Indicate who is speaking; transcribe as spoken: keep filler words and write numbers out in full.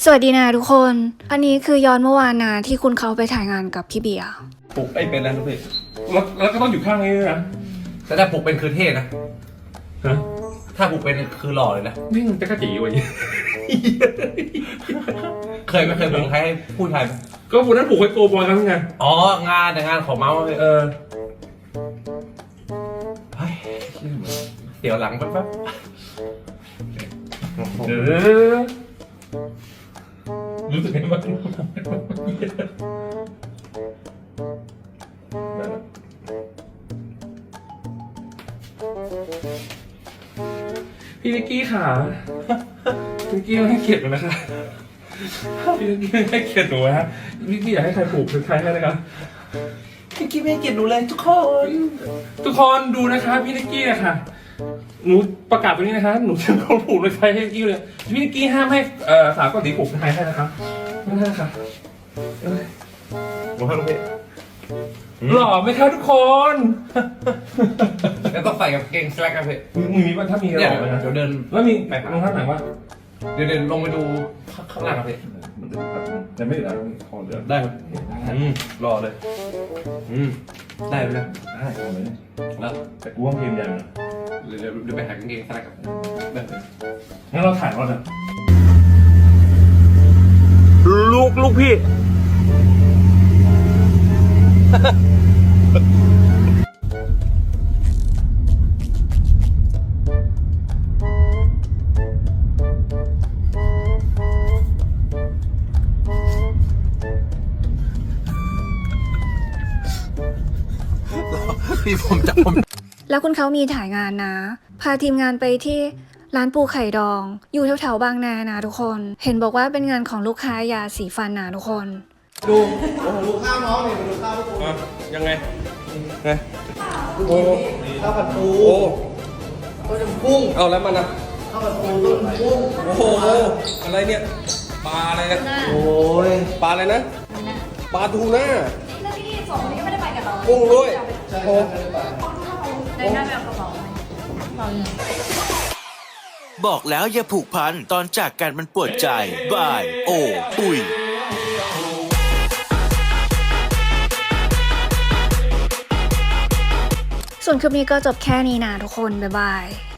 Speaker 1: สวัสดีนะทุกคนอันนี้คือย้อนเมื่อวานนะที่คุณเขาไปถ่ายงานกับพี่เบียร์
Speaker 2: ปลุกไอ้เป็นแล้วทุกพี่แล้วแล้วก็ต้องอยู่ข้างนี้ด้วยนะ
Speaker 3: แต่ถ้าปลุกเป็นคือเท่นะ
Speaker 2: ฮะ
Speaker 3: ถ้าปลุกเป็นคือหล่อเลยนะ
Speaker 2: นี่มันจะกระจีวะยี่
Speaker 3: เคยไม่เคยปลุกใครให้พูดไทยไหม
Speaker 2: ก็วันนั้นปลุกไอ้โกบอยกันไง
Speaker 3: อ๋องานแต่งานของเมาส์
Speaker 2: เออ
Speaker 3: เดี๋ยวหลังแป๊บ
Speaker 2: เออรู้สึกไงบ้างพี่นิกกี้ค่ะพี่นิกกี้ให้เกียรติหนูนะคะพี่นิกกี้ให้เกียรติหนูนะฮะพี่นิกกี้อยากให้ใครปลูกใครให้นะครับ
Speaker 3: พี่นิกกี้ไม่ให้เกียรติหนูเลยทุกคน
Speaker 2: ทุกคนดูนะคะพี่นิกกี้นะคะหนูประกาศตรงนี้นะคะหนูจะเขาปลูกเลยใครให้นิกกี้เลยพี่นิกกี้ห้ามให้เอ่อสาวเกาหลีปลูกใครให้นะคะไม่ได้ค่ะ
Speaker 3: หนูให้ลูกพี่
Speaker 2: หล่อไหมครับทุกคน
Speaker 3: แล้วต้องใส่กับเกงสแลกกันพี่
Speaker 2: มีมีว่าถ้ามีหล่อไหมครับ
Speaker 3: เดี๋ยวเดิน
Speaker 2: แล้วมีรองเท้าไหนวะ
Speaker 3: เดี๋ยวเดินลงไปดูข้างล่างครับพี่
Speaker 2: แต่ไม่ได้คอเดือด
Speaker 3: ได้ครับอืมรอเลยอืมได้ไหมเนี่ย
Speaker 2: ได้คอเลย
Speaker 3: แล้ว
Speaker 2: แต่กูว่าเพลงยัง
Speaker 3: เดี๋ยวเดี๋ยวไปหากางเกงสแลกกันได้เลย
Speaker 2: งั้นเราถ่ายก่อนนะ
Speaker 3: ลูกลูกพี่พี่ผมจะผม
Speaker 1: แล้วคุณเขามีถ่ายงานนะพาทีมงานไปที่ร้านปูไข่ดองอยู่แถวๆบางนานะทุกคนเห็นบอกว่าเป็นงานของลูกค้ายาสีฟันนะทุกคน
Speaker 3: ดูโอ้โหดูข้าวน้องเนี่ยดูข้าวทุกคน
Speaker 2: ยังไงไง
Speaker 3: โอ้ข้าวผัดปูโอ้ต้มกุ้งเอาแล้วมันนะข้าวผัดปูต้มกุ้งโอ้โหอะไรเนี่ยปลาอะไรนะโอ้ยปลาอะไรนะปลาทูน่า
Speaker 4: แล้วพี่สองคนนี้ก็ไม่ได้ไปกับเรา
Speaker 3: กุ้งด้วยโอ้
Speaker 4: ได้หน้าแบบกระเป๋าไหมเราเนี่ย
Speaker 5: บอกแล้วอย่าผูกพันตอนจากกันมันปวดใจบายโอ้ปุย
Speaker 1: ส่วนคลิปนี้ก็จบแค่นี้นะทุกคนบ๊ายบาย